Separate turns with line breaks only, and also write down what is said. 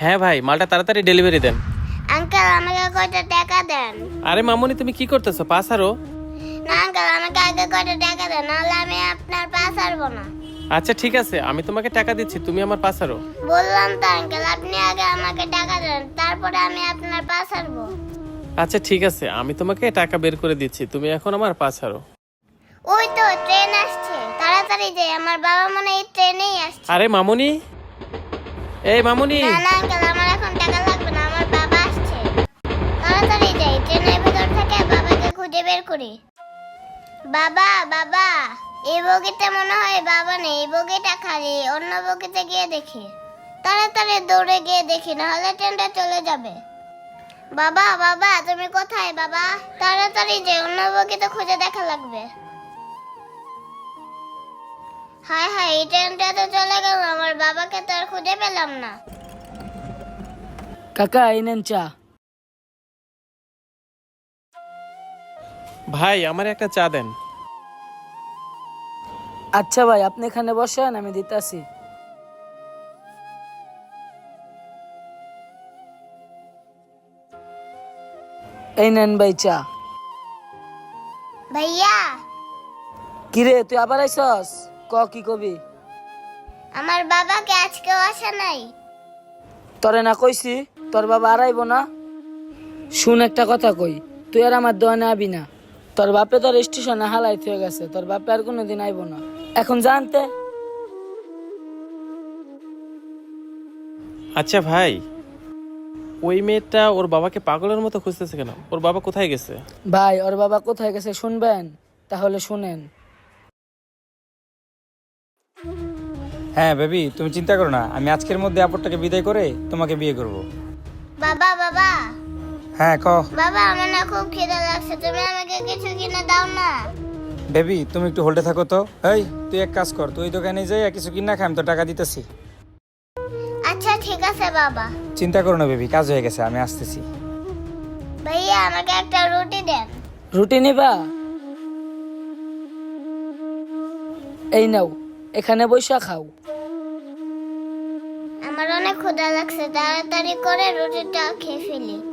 হ্যাঁ ভাই, মালটা তাড়াতাড়ি ডেলিভারি দেন।
আঙ্কেল আমাকে কয়টা টাকা দেন।
আরে মামুনি, তুমি কি করতেছো? পাস আরো।
না আঙ্কেল, আমাকে আগে কয়টা টাকা দেন, নাহলে আমি আপনার পা ছাড়বো না।
আচ্ছা ঠিক আছে, আমি তোমাকে টাকা দিচ্ছি, তুমি আমার পাস আরো।
বললাম তো আঙ্কেল, আপনি আগে আমাকে টাকা দেন, তারপরে আমি আপনার পা ছাড়বো।
আচ্ছা ঠিক আছে, আমি তোমাকে টাকা বের করে দিচ্ছি, তুমি এখন আমার পাস আরো।
ওই তো ট্রেন আসছে, তাড়াতাড়ি যাই, আমার বাবা মনে হয় এই ট্রেনেই আসছে।
আরে মামুনি, এই মামুনি।
না না আঙ্কেল, আমার এখন টাকা লাগবে না, আমার বাবা আসছে। তাড়াতাড়ি যাই, ট্রেনের ভেতর থেকে বাবাকে খুঁজে বের করি। বাবা বাবা, এই বগিতে মনে হয় বাবা নেই, এই বগিটা খালি, অন্য বগিতে গিয়ে দেখি। তাড়াতাড়ি দৌড়ে গিয়ে দেখি, নাহলে ট্রেনটা চলে যাবে। বাবা বাবা, তুমি কোথায় বাবা? তাড়াতাড়ি যে, অন্য বগিতে খুঁজে দেখা লাগবে। হায় হায়, এই ট্রেনটা তো চলে গেল, আমার বাবাকে তো আর খুঁজে পেলাম না।
কাকা এই নেন চা।
ভাই, আমার একটা চা দেন।
আচ্ছা ভাই, আপনি এখানে বসেন, আমি দিতাছি। এই নেন ভাই চা।
ভাইয়া,
কিরে তুই আবার আইসস? কি কবি?
আমার বাবাকে আজকেও আসে নাই।
তরে না কইছি তোর বাবা আর আইব না? শুন একটা কথা কই, তুই আর আমার দোয়ানে আবি না। তোর বাপে তোর স্টেশনে হালাই হয়ে গেছে, তোর বাপে আর কোনোদিন আইব না। এখন জানতে।
আচ্ছা ভাই, ওই মেয়েটা ওর বাবাকে পাগলের মতো খুঁজতেছে কেন? ওর বাবা কোথায় গেছে?
ভাই ওর বাবা কোথায় গেছে শুনবেন? তাহলে শুনেন।
হ্যাঁ বেবি, তুমি চিন্তা করো না, আমি আজকের মধ্যে আপরটাকে বিদায় করে তোমাকে বিয়ে করব।
বাবা বাবা,
হ্যাঁ ক।
বাবা আমার না খুব খিদে লাগছে, তুমি আমাকে কিছু কিনে দাও না।
বেবি তুমি একটু হোল্ডে থাকো তো। এই তুই এক কাজ কর, তুই ওই দোকানে যাই কিছু কিনা খাই, আমি তো টাকা দিতেছি।
আচ্ছা ঠিক আছে বাবা।
চিন্তা করো না বেবি, কাজ হয়ে গেছে, আমি আসতেছি।
ভাইয়া আমাকে একটা রুটি দেন।
রুটি নিবা? এই নাও, এখানে বৈশা খাও।
আমার অনেক ক্ষুধা লাগছে, তাড়াতাড়ি করে রুটিটা খেয়ে ফেলি।